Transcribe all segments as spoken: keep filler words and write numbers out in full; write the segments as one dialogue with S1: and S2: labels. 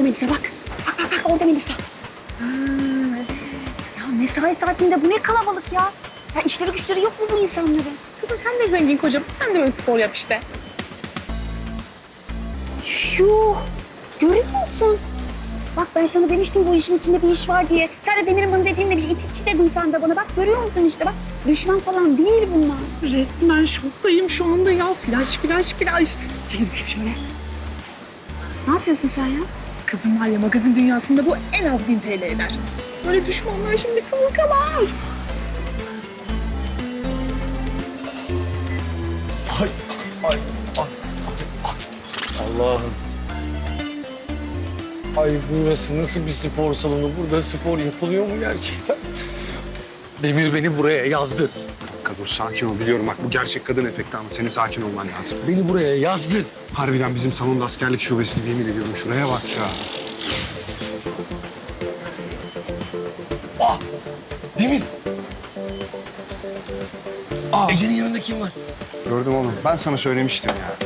S1: Melisa bak. Bak bak bak orada Melisa. Hmm, evet. Ya mesai saatinde bu ne kalabalık ya. Ya işleri güçleri yok mu bu insanların?
S2: Kızım sen de zengin kocam. Sen de böyle spor yap işte.
S1: Yuh. Görüyor musun? Bak ben sana demiştim bu işin içinde bir iş var diye. Sen de Demir'in bunu dediğinde bir itikçi dedin sen de bana. Bak görüyor musun işte bak. Düşman falan değil bunlar.
S2: Resmen şoktayım şu anda ya. Flash flash flash.
S1: Çekil bakayım şöyle. Ne yapıyorsun sen ya?
S2: Kızım var ya magazin dünyasında bu en az bin T L eder. Böyle düşmanlar şimdi kıvır kalar.
S3: Ay, ay, ay, ay. Allah'ım. Ay burası nasıl bir spor salonu? Burada spor yapılıyor mu gerçekten? Demir beni buraya yazdır.
S4: Kanka dur sakin ol. Biliyorum bak bu gerçek kadın efekti ama senin sakin olman lazım.
S3: Beni buraya yazdır.
S4: Harbiden bizim salonda askerlik şubesi gibi yemin ediyorum. Şuraya bak ya.
S3: Ah! Demir!
S4: Aa,
S3: Ece'nin yanında kim var?
S4: gördüm oğlum. Ben sana söylemiştim ya.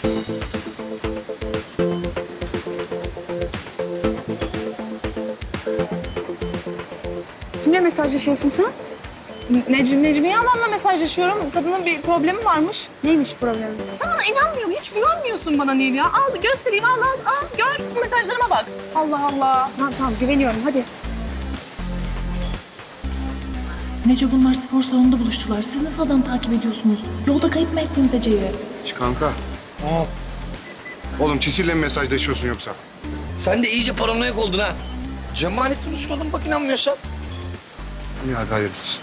S1: Kimle mesajlaşıyorsun sen?
S2: Necim, Necmiye ablamla mesajlaşıyorum. Kadının bir problemi varmış.
S1: Neymiş problemin?
S2: Sen bana inanmıyorsun. Hiç güvenmiyorsun bana Nil ya. Al göstereyim. Al al al. Gör. Bu mesajlarıma bak. Allah Allah.
S1: Tamam tamam güveniyorum hadi.
S5: Neco bunlar spor salonunda buluştular. Siz nasıl adam takip ediyorsunuz? Yolda kayıp mı ettiniz Ece'yi?
S4: Hiç kanka.
S3: Aa,
S4: Oğlum Çisil'le mi mesajlaşıyorsun yoksa?
S3: sen de iyice paranoyak oldun ha. Cemalettin Usta'dan bak inanmıyorsan.
S4: İyi hadi hayırlısı.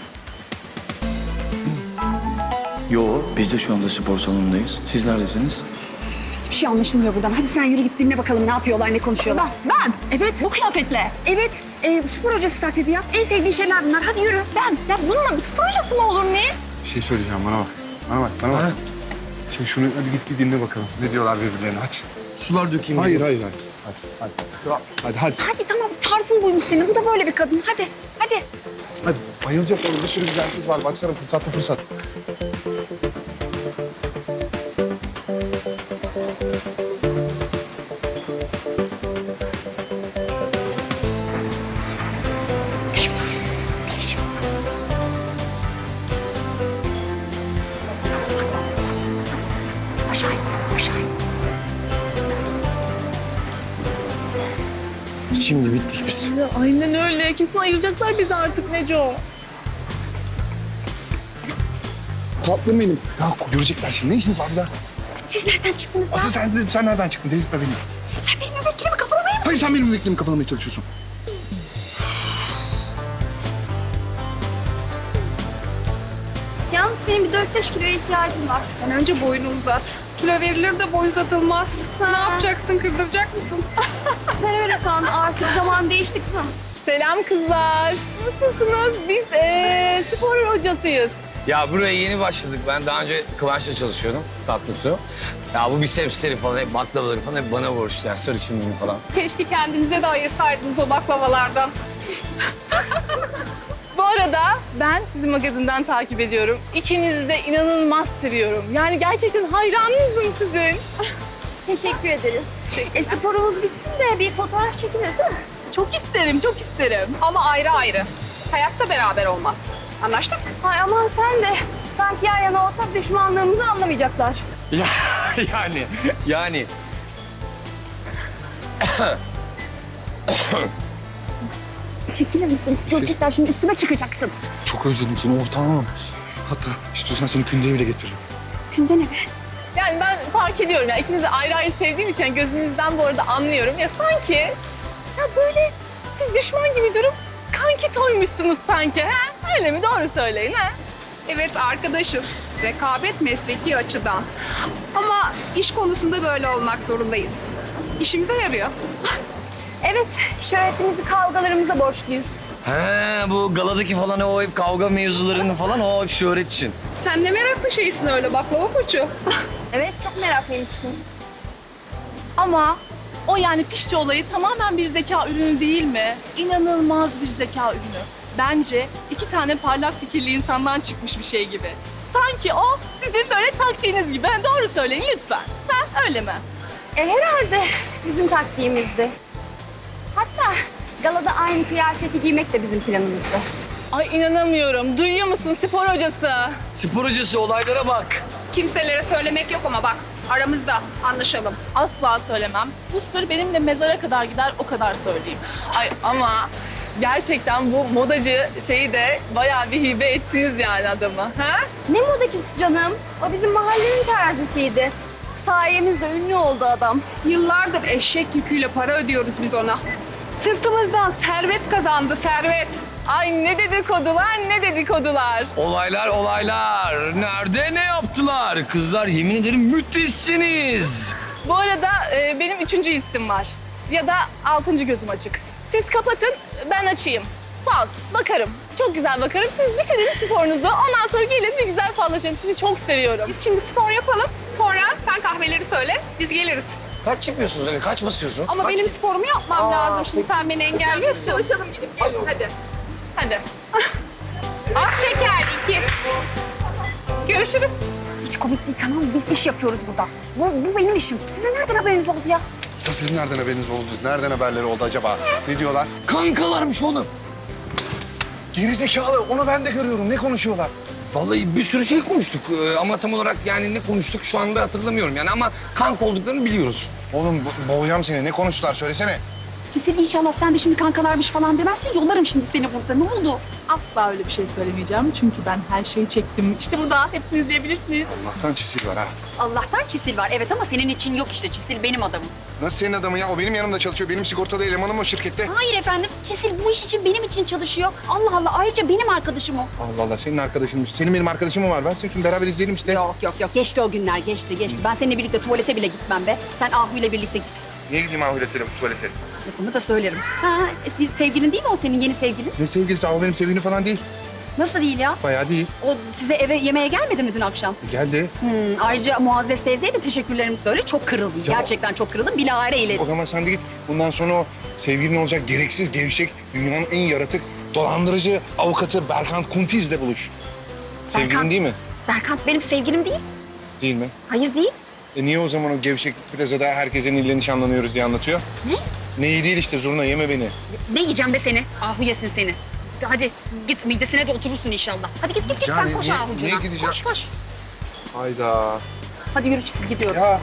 S6: Yo, biz de şu anda spor salonundayız. Siz neredesiniz?
S1: Hiçbir şey anlaşılmıyor buradan. Hadi sen yürü git dinle bakalım ne yapıyorlar ne konuşuyorlar.
S2: Ben, ben. Evet. Bu kıyafetle.
S1: Evet e, spor hocası taklidi yap. En sevdiğin şeyler bunlar. Hadi yürü.
S2: Ben. Ya bununla spor hocası mı olur Nil?
S4: Bir şey söyleyeceğim bana bak. Bana bak bana bak.
S3: Ha?
S4: Şey şunu hadi git bir dinle bakalım. Ne diyorlar birbirlerine hadi.
S3: Sular dökeyim.
S4: Hayır
S3: dedim.
S4: hayır hayır. Hadi hadi. Hadi hadi.
S1: Hadi tamam tarzın buymuş senin. Bu da böyle bir kadın. Hadi hadi.
S4: Hadi. Bayılacak oğlum. Bir sürü güzel kız var. Baksana fırsat mı fırsat.
S1: Aşağı in, aşağı in.
S3: Şimdi bittik biz.
S2: Ya, aynen öyle. Kesin ayıracaklar bizi artık Neco.
S4: Tatlım benim. Ya görecekler şimdi. Ne işiniz var burada?
S1: Siz nereden çıktınız ya?
S4: Asıl sen, sen nereden çıktın? Delirtme beni.
S1: Sen benim müvekkilimi kafalamaya mı?
S4: Hayır sen benim müvekkilimi kafalamaya çalışıyorsun.
S7: Yalnız senin bir dört beş kiloya ihtiyacın var. Sen önce boyunu uzat. Kilo verilir de boy uzatılmaz. Ne yapacaksın? Kırdıracak mısın? Sen öyle san. Artık zaman değişti kızım.
S2: Selam kızlar. Nasılsınız? Biz ee, spor hocasıyız.
S3: Ya buraya yeni başladık. Ben daha önce Kıvanç'la çalışıyordum. Tatlıtuğ. Ya bu bisepsleri falan, hep baklavaları falan hep bana borçlu. Yani sarışınlığım falan.
S7: Keşke kendinize de ayırsaydınız o baklavalardan.
S2: Bu arada ben sizi magazinden takip ediyorum. İkinizi de inanılmaz seviyorum. Yani gerçekten hayranınızım sizin.
S7: Teşekkür ederiz.
S1: E sporumuz bitsin de bir fotoğraf çekiliriz değil mi?
S2: Çok isterim, çok isterim.
S7: Ama ayrı ayrı. Hayatta beraber olmaz. Anlaştık?
S1: Ay aman sen de. Sanki yan yana olsak düşmanlığımızı anlamayacaklar.
S3: Ya yani, yani.
S1: Çekilir misin? Görecekler şimdi üstüme çıkacaksın.
S4: Çok özledim seni ortağım. Hatta istiyorsan seni kündeye bile getiririm.
S1: Günde ne be?
S2: Yani ben fark ediyorum ya ikinizi ayrı ayrı sevdiğim için gözünüzden bu arada anlıyorum. Ya sanki ya böyle siz düşman gibi durup kanki toymuşsunuz sanki. He? Öyle mi? Doğru söyleyin ha?
S7: Evet arkadaşız. Rekabet mesleki açıdan. Ama iş konusunda böyle olmak zorundayız. İşimize yarıyor.
S1: Evet, şöhretimizi kavgalarımıza borçluyuz.
S3: He bu galadaki falan o hep kavga mevzularını falan o hep şöhret için.
S7: Sen ne meraklı şeysin öyle baklava koçu.
S1: Evet, çok meraklıymışsın.
S2: Ama o yani pişti olayı tamamen bir zeka ürünü değil mi? İnanılmaz bir zeka ürünü. Bence iki tane parlak fikirli insandan çıkmış bir şey gibi. Sanki o sizin böyle taktiğiniz gibi. Ha, doğru söyleyin lütfen. Ha, öyle mi?
S1: E herhalde bizim taktiğimizdi. galada aynı kıyafeti giymek de bizim planımızdı.
S2: Ay inanamıyorum. Duyuyor musun spor hocası?
S3: Spor hocası olaylara bak.
S7: Kimselere söylemek yok ama bak aramızda anlaşalım.
S2: Asla söylemem. Bu sır benimle mezara kadar gider, o kadar söyleyeyim. Ay ama gerçekten bu modacı şeyi de bayağı bir hibe ettiniz yani adamı. Ha?
S1: Ne modacısı canım? O bizim mahallenin terzisiydi. Sayemizde ünlü oldu adam.
S7: Yıllardır eşek yüküyle para ödüyoruz biz ona. Sırtımızdan servet kazandı, servet.
S2: Ay ne dedikodular, ne dedikodular.
S3: Olaylar olaylar. Nerede ne yaptılar? Kızlar yemin ederim müthişsiniz.
S2: Bu arada e, benim üçüncü hissim var. Ya da altıncı gözüm açık. Siz kapatın, ben açayım. Fal, bakarım. Çok güzel bakarım. Siz bitirin sporunuzu. Ondan sonra gelin bir güzel fallaşalım. Sizi çok seviyorum.
S7: Biz şimdi spor yapalım. Sonra sen kahveleri söyle, biz geliriz.
S3: Kaç yapıyorsunuz öyle? Kaç basıyorsunuz?
S7: Ama
S3: Kaç?
S7: benim sporumu yapmam lazım. Şimdi sen beni engelliyorsun.
S2: Çalışalım gidip gelin. Hadi. Hadi.
S7: Az şeker iki. Görüşürüz.
S1: Hiç komik değil tamam mı? Biz iş yapıyoruz burada. Bu, bu benim işim. Sizin nereden haberiniz oldu ya?
S4: Esas sizin nereden haberiniz oldu? Nereden haberleri oldu acaba? Ne diyorlar?
S3: Kankalarmış oğlum.
S4: Geri zekalı. Onu ben de görüyorum. Ne konuşuyorlar?
S3: Vallahi bir sürü şey konuştuk Ee, ama tam olarak yani ne konuştuk şu anda hatırlamıyorum yani ama kanka olduklarını biliyoruz.
S4: Oğlum bo- boğacağım seni. Ne konuştular? Söylesene.
S1: Kesin inşallah sen de şimdi kankalarmış falan demezsin. Yollarım şimdi seni burada. Ne oldu?
S2: Asla öyle bir şey söylemeyeceğim. Çünkü ben her şeyi çektim. İşte burada. Hepsini izleyebilirsiniz.
S4: Allah'tan çisil var ha.
S1: Allah'tan Çisil var. Evet ama senin için yok işte. Çisil benim adamım.
S4: Nasıl senin adamın ya? O benim yanımda çalışıyor. Benim sigortalı elemanım o şirkette.
S1: Hayır efendim. Çisil bu iş için benim için çalışıyor. Allah Allah. Ayrıca benim arkadaşım o.
S4: Allah Allah. Senin arkadaşınmış. Senin benim arkadaşım mı var? Ben seni şimdi beraber izleyelim işte.
S1: Yok yok yok. Geçti o günler. Geçti geçti. Ben seninle birlikte tuvalete bile gitmem be. Sen Ahu ile birlikte git.
S4: Niye gideyim ahuletelim tuvalete?
S1: Lafımı da söylerim. Ha, e, se- sevgilin değil mi o senin yeni sevgilin?
S4: Ne sevgilisi? O benim sevgilim falan değil.
S1: Nasıl değil ya?
S4: Bayağı değil.
S1: O size eve yemeğe gelmedi mi dün akşam?
S4: Geldi.
S1: Hmm, ayrıca Muazzez teyzeye de teşekkürlerimi söyle. Çok kırıldım.
S4: Ya-
S1: Gerçekten çok kırıldım. Bilahare
S4: O
S1: eyledim.
S4: zaman sen de git. Bundan sonra o sevgilin olacak gereksiz, gevşek, dünyanın en yaratık, dolandırıcı avukatı Berkant Kuntiz'le buluş. Sevgilin
S1: Berkant.
S4: değil mi?
S1: Berkant benim sevgilim değil.
S4: Değil mi?
S1: Hayır değil.
S4: E niye o zaman o gevşek plazada herkesin ille nişanlanıyoruz diye anlatıyor?
S1: Ne?
S4: Neyi değil işte zurna yeme beni.
S1: Ne yiyeceğim be seni? Ahu yesin seni. Hadi git midesine de oturursun inşallah. Hadi git git git
S4: Yani
S1: sen koş
S4: niye-
S1: Ahu'cuna.
S4: niye gideceğim?
S1: Koş koş.
S4: Hayda.
S1: Hadi yürü Çisil gidiyoruz.
S4: Ya.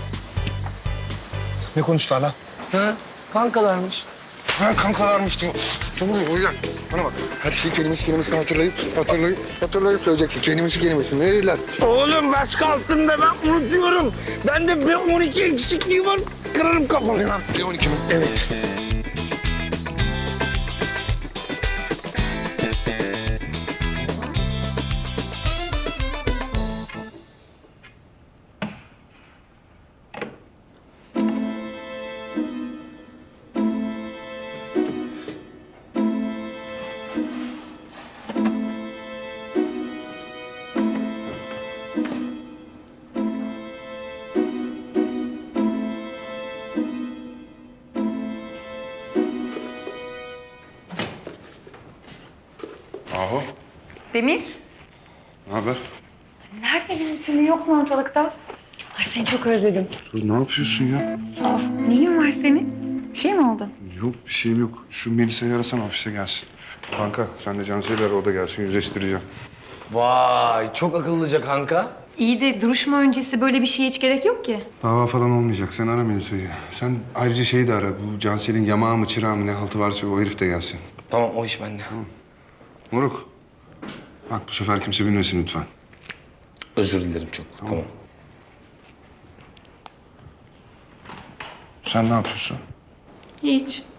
S4: Ne konuştular lan?
S3: Ha? Kankalarmış.
S4: Ha kankalarmış diyor. Tamam o yüzden. Bana bak. Her şeyi kelimesi kelimesini hatırlayıp, hatırlayıp, hatırlayıp söyleyeceksin. Kelimesi kelimesi. Ne dediler?
S3: Oğlum başka altında ben unutuyorum. Bende B on iki eksikliği var. Kırarım kafamı.
S4: B on iki mi?
S3: Evet.
S4: Ahu.
S8: Demir,
S4: Ne haber?
S8: nerede benim için yok mu ortalıkta? Ay seni çok özledim.
S4: Dur ne yapıyorsun ya?
S8: Aa, neyin var senin? Bir şey mi oldu?
S4: Yok bir şeyim yok. Şu Melisa'yı arasana ofise gelsin. Kanka sen de Cansel'i ara o da gelsin yüzleştireceğim.
S3: Vay çok akıllıca kanka.
S8: İyi de duruşma öncesi böyle bir şeye hiç gerek yok ki.
S4: Dava falan olmayacak. Sen ara Melisa'yı. Sen ayrıca şeyi de ara. Bu Cansel'in yamağı mı çırağı mı ne haltı varsa o herif de gelsin.
S3: Tamam o iş bende.
S4: Moruk. Bak bu sefer kimse bilmesin lütfen.
S3: Özür dilerim çok. Tamam.
S4: Sen ne yapıyorsun?
S8: Hiç.